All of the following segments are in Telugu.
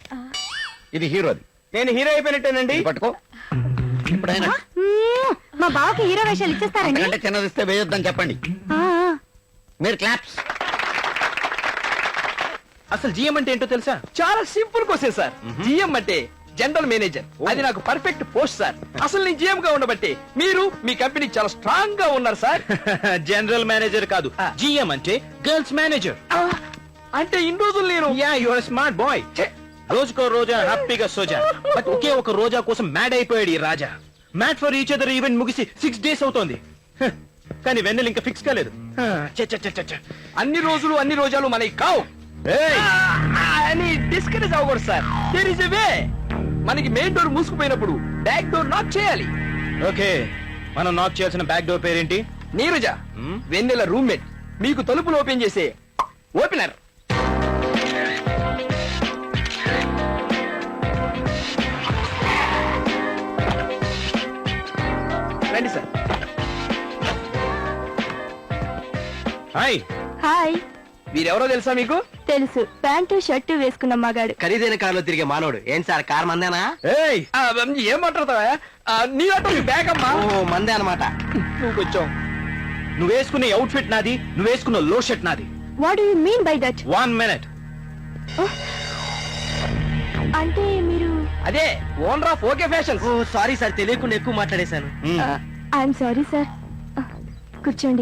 ఇది హీరోది. నేను హీరో అయిపోయినట్టేనండి. ఇది పట్టుకో. ఇప్పుడైనా మా బావకి హీరో వేషాలు ఇచ్చేస్తారండి. అంటే చిన్నదిస్తే వేయొద్దని చెప్పండి. మీరు క్లాప్స్. అసలు జిఎం అంటే ఏంటో తెలుసా? చాలా సింపుల్ క్వశ్చన్ సార్. జిఎం అంటే జనరల్ మేనేజర్. అది నాకు పర్ఫెక్ట్ పోస్ట్ సార్. అసలు నేను జిఎం గా ఉండబట్టి మీరు మీ కంపెనీ చాలా స్ట్రాంగ్ గా ఉన్నారు సార్. జనరల్ మేనేజర్ కాదు, జిఎం అంటే గర్ల్స్ మేనేజర్. అంటే ఇన్ని రోజులు నేను యువర్ స్మార్ట్ బాయ్. రోజుకో రోజా హ్యాపీగా సోజా, బట్ ఒకే ఒక రోజా కోసం మ్యాడ్ అయిపోయాడు ఈ Raja. Mad for each other event ముగిసి 6 days అవుతోంది. కానీ వెన్నెల ఇంకా ఫిక్స్ కాలేదు. అన్ని రోజులు అన్ని రోజాలు మనకి కావు అని డిస్కరేజ్ అవ్వకూడదు sir. There is a way. మనకి మెయిన్ డోర్ మూసుకుపోయినప్పుడు బ్యాక్ డోర్ నాక్ చేయాలి. ఓకే, మనం నాక్ చేయాల్సిన బ్యాక్ డోర్ పేరేంటి? నీరజ, వెన్నెల రూమ్మేట్. మీకు తలుపులు ఓపెన్ చేసే ఓపెనర్. రండి సార్. హాయ్. హాయ్. వీరెవరో తెలుసా మీకు? తెలుసు, ప్యాంటు షర్టు వేసుకున్న మగాడు. ఖరీదైన కారులో తిరిగే మానవుడు. ఏం సార్, కార్ మందేనా? ఏయ్, ఏం మాట్లాడతావా? నీ ఆటో నీ బ్యాగ్ అమ్మా. ఓ మందే అనమాట. నువ్వు కొంచెం నువ్వు వేసుకునే అవుట్ ఫిట్ నాది, నువ్వు వేసుకున్న లో షర్ట్ నాది. What do you mean by that? 1 minute. అంటే మీరు? అదే owner of okay fashions. Oh sorry sir, తెలియకుండా ఎక్కువ మాట్లాడేశాను. I'm sorry sir. కూర్చోండి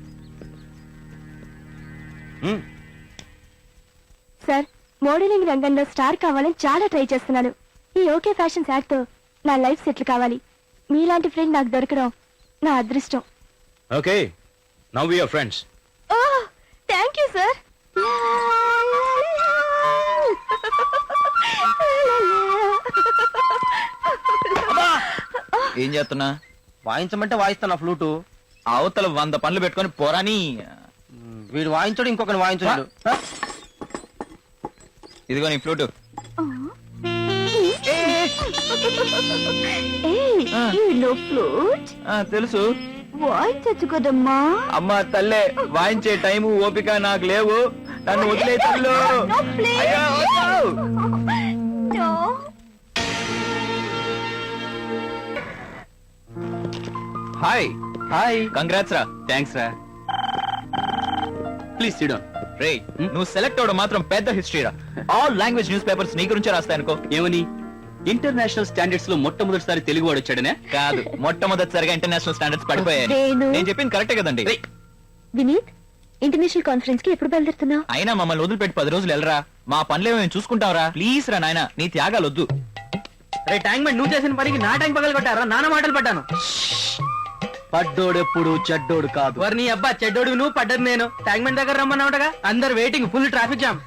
సార్. మోడలింగ్ రంగంలో స్టార్ కావాలని చాలా ట్రై చేస్తున్నాను. ఈ ఓకే ఫ్యాషన్స్ యాడ్ తో నా లైఫ్ సెటిల్ కావాలి. మీలాంటి ఫ్రెండ్ నాకు దొరకడం నా అదృష్టం. Okay, now we are friends. Oh, thank you sir. ఏం చేస్తున్నా? వాయించమంటే వాయిస్తాను ఫ్లూటు. అవతల 100 పనులు పెట్టుకొని పోరాని. వీడు వాయించడు, ఇంకొకరిని వాయించడు. ఇదిగో నీ ఫ్లూటు. తెలుసు, వాయించచ్చు కదమ్మా. అమ్మా తల్లే, వాయించే టైము ఓపిక నాకు లేవు. నన్ను వదిలే తల్లు. అయ్యో, వద్దు. హాయ్. హాయ్. కంగ్రాట్స్ రా. థ్యాంక్స్ రా. Please sit down. రే, నువ్వు సెలెక్ట్ అవడం మాత్రం పెద్ద హిస్టరీ రా. ఆల్ లాంగ్వేజ్ న్యూస్ పేపర్స్ నీ గురించే రాస్తాయనుకో. ఏమని? ఇంటర్నేషనల్ స్టాండర్డ్స్ లో మొట్టమొదటిసారి తెలుగు వాడు వచ్చాడనే? కాదు, మొట్టమొదటిసారిగా ఇంటర్నేషనల్ స్టాండర్డ్స్ పడిపోయాయి. వేణు. నేను చెప్పింది కరెక్టే కదండి. వినీత్, ఇంటర్నేషనల్ కాన్ఫరెన్స్ కి ఎప్పుడు బయలుదేరుతున్నావు? అయినా మమ్మల్ని వదిలిపెట్టి 10 రోజులు వెళ్ళరా. మా పనులేమో మేము చూసుకుంటావరా. ప్లీజ్ రా నాయనా, నీ త్యాగాలు వద్దు. రే ట్యాంక్ బండ్, నువ్వు చేసిన పనికి నా ట్యాంక్ పగలు కొట్టారా? నాన్న మాటలు పడ్డాను. పడ్డోడెప్పుడు చెడ్డోడు కాదు. నీ అబ్బా చెడ్డోడు నువ్వు, పడ్డది నేను. ట్యాంక్ బండ్ దగ్గర రమ్మన్నావుటగా. అందరు waiting, full traffic jam.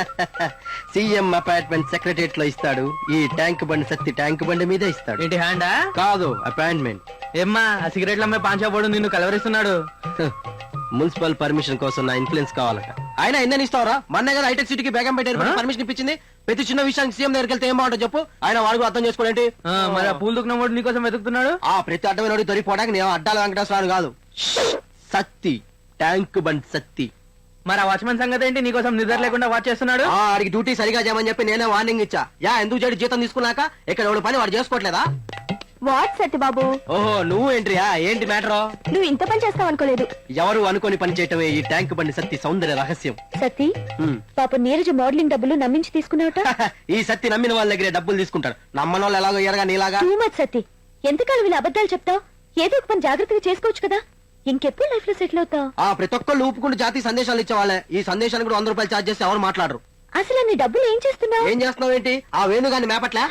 CM appointment secretariat లో ఇస్తాడు. ఈ ట్యాంక్ బండి సత్తి ట్యాంక్ బండి మీదే ఇస్తాడు. ఏంటి హ్యాండా? కాదు, అపాయింట్మెంట్. ఏమ్మా ఆ సిగరెట్ల అమ్మాయి పాంచాపోడు నిన్ను కలవరిస్తున్నాడు. మున్సిపల్ పర్మిషన్ కోసం నా ఇన్ఫ్లుయెన్స్ కావాలట. ఆయన ఎన్న ఇస్తావరా? మొన్న కదా హైటెక్ సిటీకి బేగం పెట్టారు, పర్మిషన్ ఇప్పించింది. ప్రతి చిన్న విషయానికి సీఎం దగ్గరికి వెళ్తే ఏం బాగుంటుంది చెప్పు. ఆయన వాడు కూడా అర్థం చేసుకోండి. మరి ఆ పూలు దుఃఖం వాడు నీకోసం వెతుకుతున్నాడు. ఆ ప్రతి అడ్డమైన దొరికిపోవడానికి నేను అడ్డాల వెంకటేశ్వరాలు కాదు. సత్తి ట్యాంక్ బండ్ సత్తి. మరి ఆ వాచ్మెన్ సంగతి ఏంటి? నీకోసం నిద్ర లేకుండా వాచ్ చేస్తున్నాడు. ఆడికి డ్యూటీ సరిగా చేయమని చెప్పి నేనే వార్నింగ్ ఇచ్చా. ఎందుకు చెడు జీతం తీసుకున్నాక ఇక్కడ ఎవడు పని వాడు చేసుకోవట్లేదా? వాట్ సత్య బాబు? ఓహో, నువ్వు ఎంట్రీయా? ఏంటి మ్యాటర్? నువ్వు ఇంత పని చేస్తావు అనుకోలేదు. ఎవరు అనుకోని పని చేయటమే ఈ ట్యాంక్ బండి సత్తి సౌందర్య రహస్యం. సతీ, పాప నీరజ మోడలింగ్ డబ్బులు నమ్మించి తీసుకున్నావట. ఈ సత్తి నమ్మిన వాళ్ళ దగ్గరే డబ్బులు తీసుకుంటారు. నమ్మని వాళ్ళు ఎలాగో ఎరగా నీలాగా. Too much Sati. ఎంతకాలం వీళ్ళు అబద్ధాలు చెప్తావు? ఏదో ఒక పని జాగ్రత్తగా చేసుకోవచ్చు కదా. ఇంకెప్పుడు లైఫ్ లో సెటిల్ అవుతావు? ప్రతి ఒక్కళ్ళు ఊపుకుంటూ జాతీయ సందేశాలు ఇచ్చేవాళ్ళే. ఈ సందేశానికి కూడా 100 రూపాయలు ఛార్జ్ చేస్తే ఎవరు మాట్లాడరు. అసలు నీ డబ్బులు ఏం చేస్తున్నావు? ఏం చేస్తున్నావు ఏంటి? ఆ వేణుగాని మేపట్లే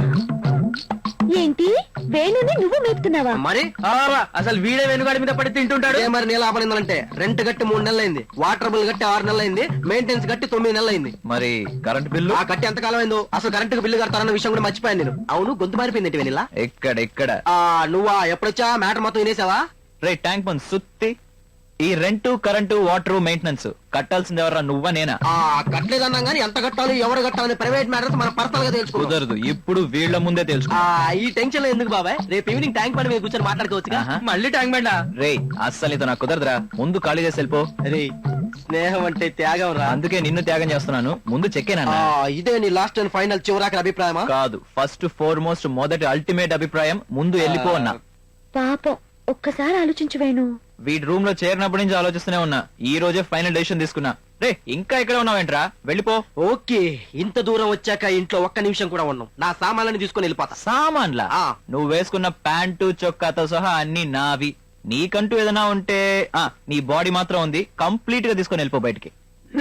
ఏంటి? వేణుని నువ్వు మేపుతున్నావా? మరి అసలు వీడే వెనుగాడి మీద పడి తింటుంటాడు. మరి నీళ్ళు ఆపనిందంటే రెంట్ కట్టి 3 నెలలైంది, వాటర్ బిల్ కట్టి 6 నెలలైంది, మెయింటెనెన్స్ కట్టి 9 నెలలైంది. మరి కరెంట్ బిల్లు? ఆ కట్టి ఎంత కాలం అయిందో. అసలు కరెంట్ బిల్లు కడతారన్న విషయం కూడా మర్చిపోయాను నేను. అవును, గొంతు మారిపోయింది వెనిలా. ఎక్కడ నువ్వా ఎప్పుడొచ్చా? మ్యాటర్ మొత్తం వినేసావా? రే ట్యాంక్ బండ్ సుత్తి, ఈ రెంటు కరెంటు వాటర్ మెయింటెనెన్స్ కట్టాల్సింది ఎవరా? నువ్వా నేనా? కట్టలేదన్నా గానీ ఎంత కట్టాలి ఎవరు కట్టాలని ప్రైవేట్ మ్యాటర్స్ మన పర్సనల్ గా తెలుసుకో. కుదరదు, ఇప్పుడు వీళ్ళ ముందే తెలుసుకో. ఈ టెన్షన్ లో ఎందుకు బాబాయ్? రేపు ఈవినింగ్ ట్యాంక్ బండి మీద కూర్చొని మాట్లాడుకోవచ్చు. మళ్ళీ ట్యాంక్ బండా? రే అస్సలు ఇది నాకు కుదరదురా. ముందు ఖాళీ చేసి వెళ్ళిపో. రే స్నేహం అంటే త్యాగం రా. అందుకే నిన్ను త్యాగం చేస్తున్నాను. ముందు చెక్కేనా ఇదే నీ లాస్ట్ అండ్ ఫైనల్ చివరాకి అభిప్రాయమా? కాదు, ఫస్ట్ ఫోర్మోస్ట్ మొదటి అల్టిమేట్ అభిప్రాయం. ముందు వెళ్ళిపో అన్నా. పాపం ఒక్కసారి ఆలోచించు వేణు. వీడి రూమ్ లో చేరినప్పటి నుంచి ఆలోచిస్తూనే ఉన్నా. ఈ రోజే ఫైనల్ డెసిషన్ తీసుకున్నా. రే ఇంకా ఇక్కడ ఉన్నావేంట్రా? వెళ్ళిపో. ఓకే, ఇంత దూరం వచ్చాక ఇంట్లో ఒక్క నిమిషం కూడా ఉన్నాం. నా సామాన్లని తీసుకొని వెళ్ళిపోతా. సామాన్లా? ఆ. నువ్వు వేసుకున్న ప్యాంటు చొక్కాతో సహా అన్ని నావి. నీకంటూ ఏదైనా ఉంటే నీ బాడీ మాత్రం ఉంది. కంప్లీట్ గా తీసుకొని వెళ్ళిపో బయటికి.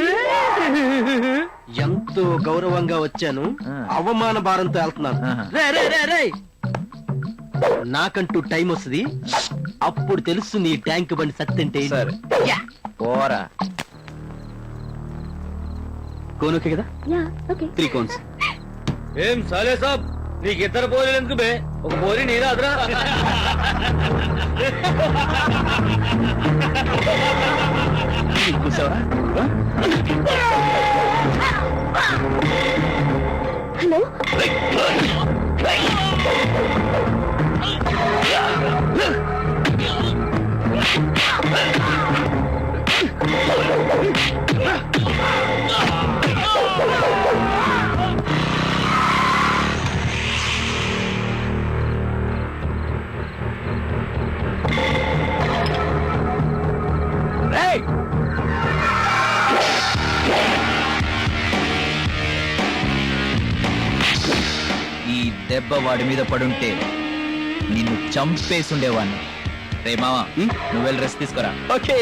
ఎంతో గౌరవంగా వచ్చాను, ఆ. అవమాన భారంతో వెళ్తున్నాను. ఆహా. రే రే రే రే నాకంటూ టైం వస్తుంది, అప్పుడు తెలుస్తుంది ఈ ట్యాంక్ బండి సత్తంటే. సరే పోరా. కోనుకే కదా, యా ఓకే. 3 కోన్స్. ఏం సాలే సాబ్, నీకు ఇద్దరు బోరీలు ఎందుకు బే? ఒక బోరీ నీరా అదరా. కూర్చోవా? హలో రేయ్! ఈ దెబ్బ వాడి మీద పడుంటే నిన్ను చంపేసుండేవాడిని. రే మావా, నువ్వు వెళ్ళి రెస్ట్ తీసుకోరా. ఓకే.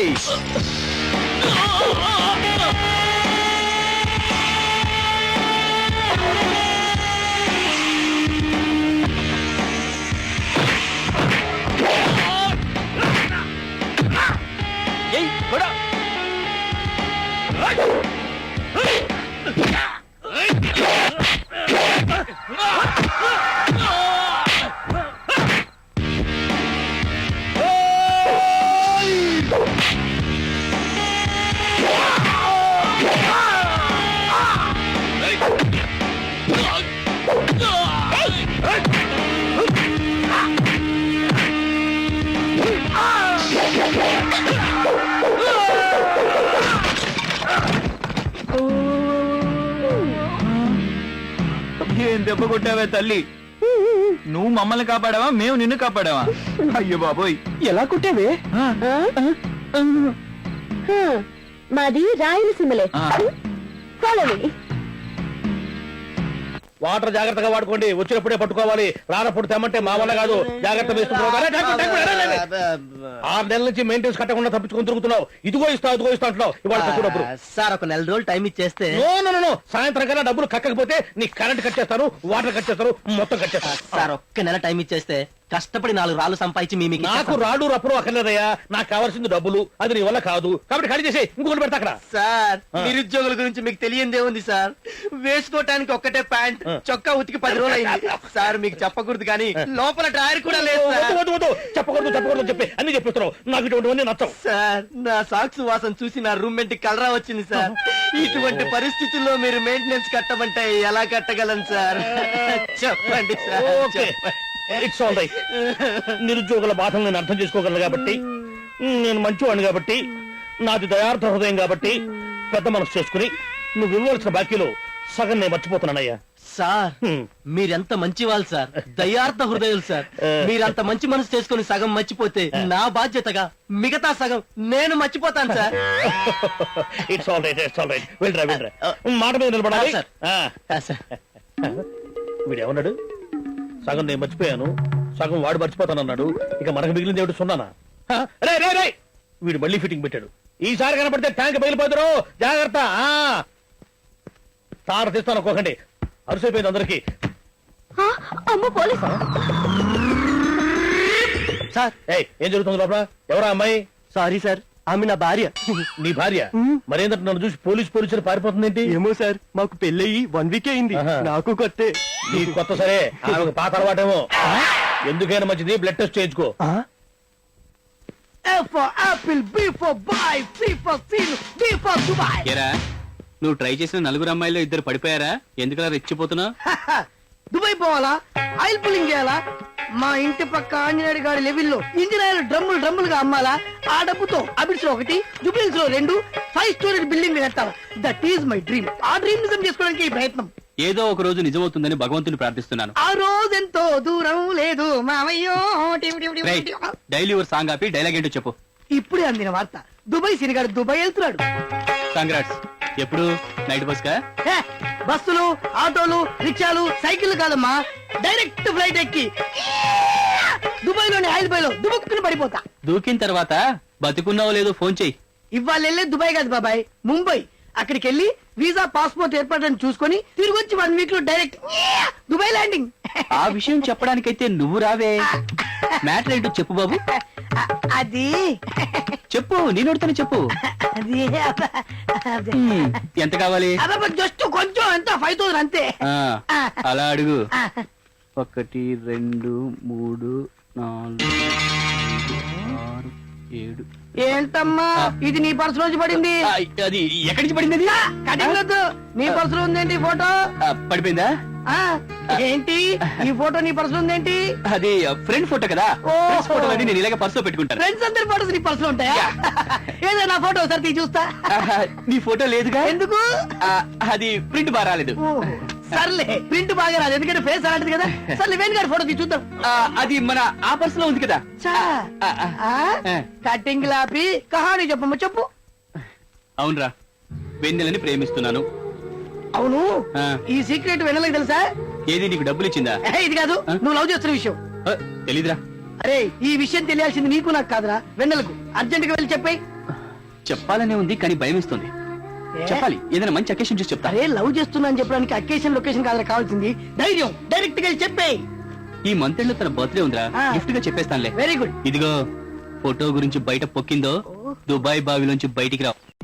ఏం దెబ్బ కొట్టావే తల్లి? నువ్వు మమ్మల్ని కాపాడావా, మేము నిన్ను కాపాడావా? అయ్యో బాబోయ్, ఎలా కుట్టావే? మాది రాయలసీమలే. ఆ. Follow me. వాటర్ జాగ్రత్తగా వాడుకోండి, వచ్చినప్పుడే పట్టుకోవాలి. రానప్పుడు తెమ్మంటే మా వల్ల కాదు. జాగ్రత్త వేసుకుంటున్నావు. 6 నెలల నుంచి మెయింటెన్స్ కట్టకుండా తప్పించుకొని తిరుగుతున్నావు. ఇదిగో ఇస్తా అంటున్నావు. ఇవాళ తక్కువ డబ్బులు. సార్ ఒక 4 రోజులు టైం ఇచ్చేస్తే. నో సాయంత్రం కన్నా డబ్బులు కక్కకపోతే నీ కరెంట్ కట్ చేస్తారు, వాటర్ కట్ చేస్తారు, మొత్తం కట్ చేస్తారు. సార్ ఒక్క నెల టైం ఇచ్చేస్తే కష్టపడి 4 రాళ్ళు సంపాదించి మీకు నాకు రాడు రప్పుడు అక్కర్లేదయ్యా. నాకు కావాల్సింది డబ్బులు. అది నీ వల్ల కాదు. కాబట్టి ఖాళీ చేసి ఇంకొకటి పెడతా అక్కడ. సార్ నిరుద్యోగుల గురించి మీకు తెలియందే ఉంది సార్. వేసుకోవటానికి ఒక్కటే ప్యాంట్, చొక్కా ఉతికి 10 రోజులు అయింది సార్. మీకు చెప్పకూడదు కానీ లోపల డ్రాయర్ కూడా లేదు సార్. వద్దు. చెప్పకూడదు చెప్పి అన్ని చెప్పిస్తున్నావు. నాకు ఇటువంటివన్నీ నచ్చవు. సార్ నా సాక్స్ వాసన చూసి నా రూమ్మేట్ కలరా వచ్చింది సార్. ఇటువంటి పరిస్థితుల్లో మీరు మెయింటెనెన్స్ కట్టమంటే ఎలా కట్టగలను సార్? చెప్పండి sir. Okay, it's all right. నిరుద్యోగుల బాధలు నేను అర్థం చేసుకోగలను కాబట్టి, నేను మంచివాడిని కాబట్టి, నాది దయార్థ హృదయం కాబట్టి పెద్ద మనసు చేసుకుని నువ్వు ఇవ్వవలసిన బాకీలో సగం నేను మర్చిపోతున్నానయ్యా. సార్ మీరెంత మంచి వాళ్ళు సార్, దయార్థ హృదయాలు సార్. మీరంత మంచి మనసు చేసుకుని సగం మర్చిపోతే నా బాధ్యతగా మిగతా సగం నేను మర్చిపోతాను సార్. It's all right. వెళ్ళరా మాట మీద నిలబడాలి. సార్. సార్ వీడేమన్నాడు? సగం నేను మర్చిపోయాను, సగం వాడు మర్చిపోతానన్నాడు. ఇక మనకు మిగిలింది ఏమిటి? సున్నానా? రే వీడు మళ్ళీ ఫిట్టింగ్ పెట్టాడు. ఈసారి కనపడితే ట్యాంక్ పగిలిపోతారు. జాగ్రత్త. తార తీస్తాను ఒక్కొక్కటి. అరుసైపోయింది అందరికి. అమ్మ పోలీసు. సార్ ఏం జరుగుతుంది లోపల? ఎవరా అమ్మాయి? సారీ సార్, ఆమె నా భార్య. నీ భార్య? మరేందంటే నన్ను చూసి పోలీసు పారిపోతుంది ఏంటి? ఏమో సార్, మాకు పెళ్ళయి 1 వీక్ అయింది. ఆహా. నాకు కొత్తే. నీకు కొత్త సరే, ఆమెకు పాత అలవాటేమో. ఎందుకైనా మంచిది బ్లడ్ టెస్ట్ చేయించుకో. నువ్వు ట్రై చేసిన 4 అమ్మాయిలో 2 పడిపోయారా? ఎందుకలా రెచ్చిపోతున్నావు? దుబాయ్ పోవాలా? ఆయిల్ పుల్లింగ్ చేయాలా? మా ఇంటి పక్క ఆంజనేయుడు గారి లెవెల్లో ఇంజనీర్లు డ్రమ్ములుగా అమ్మాలా? ఆ డబ్బుతో అబిడ్స్ లో 1, జూబ్లీస్ లో 2 5 స్టోరీ బిల్డింగ్ కట్టాలా? That is my dream. ఆ డ్రీమ్ నిజం చేసుకోవడానికి ఈ ప్రయత్నం. ఏదో ఒక రోజు నిజమవుతుందని భగవంతుని ప్రార్థిస్తున్నాను. ఆ రోజెంతో దూరం లేదు మామయ్యో. రేయ్, డైలీ ఒక సాంగ్ ఆపి డైలాగ్ ఏంటో చెప్పు. ఇప్పుడే అందిన వార్త, దుబాయ్ సినిగాడు దుబాయ్ వెళ్తున్నాడు. కంగ్రాట్స్. ఎప్పుడు? నైట్ బస్ కా? హే, బస్సులు, ఆటోలు, రిక్షాలు, సైకిల్ కాదమ్మా, డైరెక్ట్ ఫ్లైట్ ఎక్కి దుబాయ్ లోని ఆయిల్ బాయ్ లో దుబుక్కుని పడిపోతా. దూకిన తర్వాత బతికున్నావో లేదో ఫోన్ చెయ్యి. ఇవాళ వెళ్ళే దుబాయ్ కాదు బాబాయ్, ముంబై. అక్కడికి వెళ్ళి వీసా పాస్పోర్ట్ ఏర్పాటుని చూసుకొని తిరిగి వచ్చి 1 వీక్ లో డైరెక్ట్ దుబాయ్ ల్యాండింగ్. ఆ విషయం చెప్పడానికైతే నువ్వు రావే. మ్యాటర్ ఏంటో చెప్పు బాబు. అది చెప్పు, నేను అడుగుతాను చెప్పు. అది ఎంత కావాలి? జస్ట్ కొంచెం ఎంత 5,000 అంతే. ఆ, అలా అడుగు. 1 2 3 4 5 6 7. ఏంటమ్మా ఇది నీ పర్సు నుంచి పడింది? అది ఎక్కడి నుంచి పడింది? అది కటింగ్ వద్దు, నీ పర్సులో ఉందేంటి ఫోటో? పడిపోయిందా? ఆ, ఏంటి ఈ ఫోటో నీ పర్సులో ఉందేంటి? అది ఫ్రెండ్ ఫోటో కదా. ఓహో. ఫ్రెండ్స్ ఫోటోలని నేను ఇలాగ పర్సులో పెట్టుకుంటాను. ఫ్రెండ్స్ అందరి ఫోటోస్ నీ పర్సులో ఉంటాయా? ఏదైనా ఫోటో ఒకసారి తీ చూస్తా. నీ ఫోటో లేదుగా. ఎందుకు? అది ప్రింట్ బాగా రాలేదు. ఓ, సర్లే, ప్రింట్ బాగా రాదు ఎందుకంటే ఫేస్ అలాంటిది కదా. సర్లే వేణు గారి ఫోటో తీ చూద్దాం. అది మన ఆ పర్సులో ఉంది కదా. చా. ఆ, కటింగ్ లాపి కహాని చెప్పమ్మా, చెప్పు. అవునరా, వెన్నెలని ప్రేమిస్తున్నాను. అవును, ఆ. ఈ సీక్రెట్ వెనలకి తెలుసా? ఏది నీకు డబ్బులు ఇచ్చిందా? ఇది కాదు, నువ్వు లవ్ చేస్తున్న విషయం. తెలీదురా. అరే, ఈ విషయం తెలియాల్సింది నీకు నాకు కాదురా, వెన్నెలకు. అర్జెంట్ గా వెళ్ళి చెప్పాయి. చెప్పాలనే ఉంది కానీ భయం ఇస్తుంది. చెప్పాలి, ఏదైనా మంచి అకేషన్ చూసి చెప్తా. అరే, లవ్ చేస్తున్నా అని చెప్పడానికి అకేషన్ లొకేషన్ కాదురా కావాల్సింది, ధైర్యం. డైరెక్ట్ గా వెళ్ళి చెప్పాయి. ఈ మంత్ ఎండ్ లో తన బర్త్డే ఉందిరా, ఆ. గిఫ్ట్ గా చెప్పేస్తానులే. Very good. ఇదిగో, ఫోటో గురించి బయట పొక్కిందో దుబాయ్ బావిలోంచి బయటికి రావు.